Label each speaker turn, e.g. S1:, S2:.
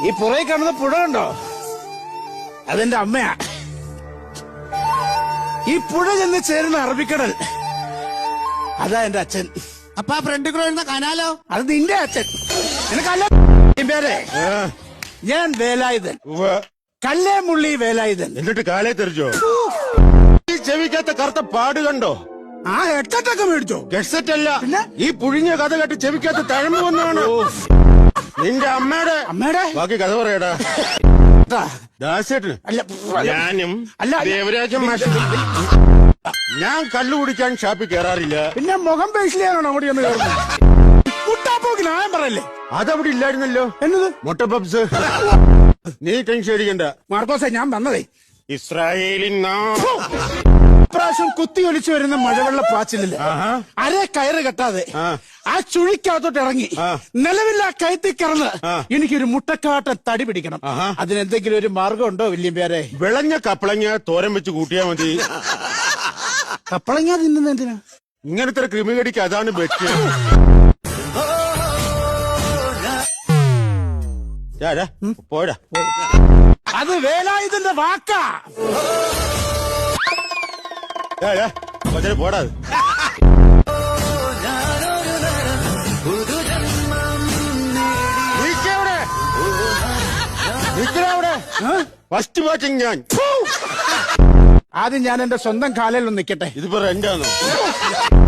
S1: ഈ പുറകെ കാണുന്ന പുഴ കണ്ടോ? അതെന്റെ അമ്മയാ. ഈ പുഴ ചെന്ന് ചേരുന്ന അറബിക്കടൽ, അതാ എന്റെ അച്ഛൻ.
S2: അപ്പൊ ആ ഫ്രണ്ടിൽ കൂടെ വരുന്ന കനാലോ?
S1: അത് നിന്റെ അച്ഛൻ. നിനക്കല്ല പേരെ. ഞാൻ വേലായുധൻ, കല്ലേമുള്ളി വേലായുധൻ.
S3: എന്നിട്ട് കാലേ തെറിച്ചോ? ഈ ചെവിക്കാത്ത കറുത്ത പാട് കണ്ടോ?
S1: ആ ഹെഡ്സെറ്റൊക്കെ മേടിച്ചോ?
S3: ഹെഡ്സെറ്റ് അല്ല, ഈ പുഴിഞ്ഞ കഥ കേട്ട് ചെവിക്കാത്ത തഴമ്പ് വന്നാണ്. നിന്റെ അമ്മയുടെ ബാക്കി കഥ പറയടാ. ദാസേട്ടന്
S1: അല്ല,
S3: ഞാനും
S1: അല്ല,
S3: ദേവരാജൻ മാഷും ഞാൻ കള്ളു കുടിക്കാൻ ഷാപ്പിൽ കയറാറില്ല.
S1: പിന്നെ മുഖം പേശിലാണോ അങ്ങോട്ട് ചെന്ന് കയറുന്നത്? കുട്ടാപ്പോക്ക് ന്യായം പറയല്ലേ?
S3: അതവിടെ ഇല്ലായിരുന്നല്ലോ.
S1: എന്നത്?
S3: മുട്ട പപ്സ്. നീ ടെൻഷൻ അടിക്കണ്ട
S1: മാർക്കോസെ, ഞാൻ വന്നതേ
S3: ഇസ്രായേലിൻ
S1: പ്രാവശ്യം കുത്തിയൊലിച്ചു വരുന്ന മഴവെള്ള പാച്ചിലില് അര കയറ് കെട്ടാതെ ആ ചുഴിക്കകത്തോട്ട് ഇറങ്ങി നിലവില്ല കയറ്റി കിടന്ന് എനിക്കൊരു മുട്ടക്കാട്ട തടി പിടിക്കണം. അതിനെന്തെങ്കിലും ഒരു മാർഗം ഉണ്ടോ വല്യമ്പേരെ?
S3: വിളഞ്ഞ കപ്പളങ്ങ തോരൻ വെച്ച് കൂട്ടിയാ മതി.
S1: കപ്പളങ്ങ തിന്നുന്ന എന്തിനാ?
S3: ഇങ്ങനത്തെ ക്രിമികടിക്ക് അതാണ് ബെറ്റ്. പോടാ,
S1: അത് വേലായുധന്റെ വാക്കാ.
S3: പോടാ. ഫസ്റ്റ് വാച്ചിങ് ഞാൻ.
S1: ആദ്യം ഞാൻ എന്റെ സ്വന്തം കാലിൽ ഒന്ന് നിൽക്കട്ടെ.
S3: ഇതിപ്പോ റെന്റാണോ?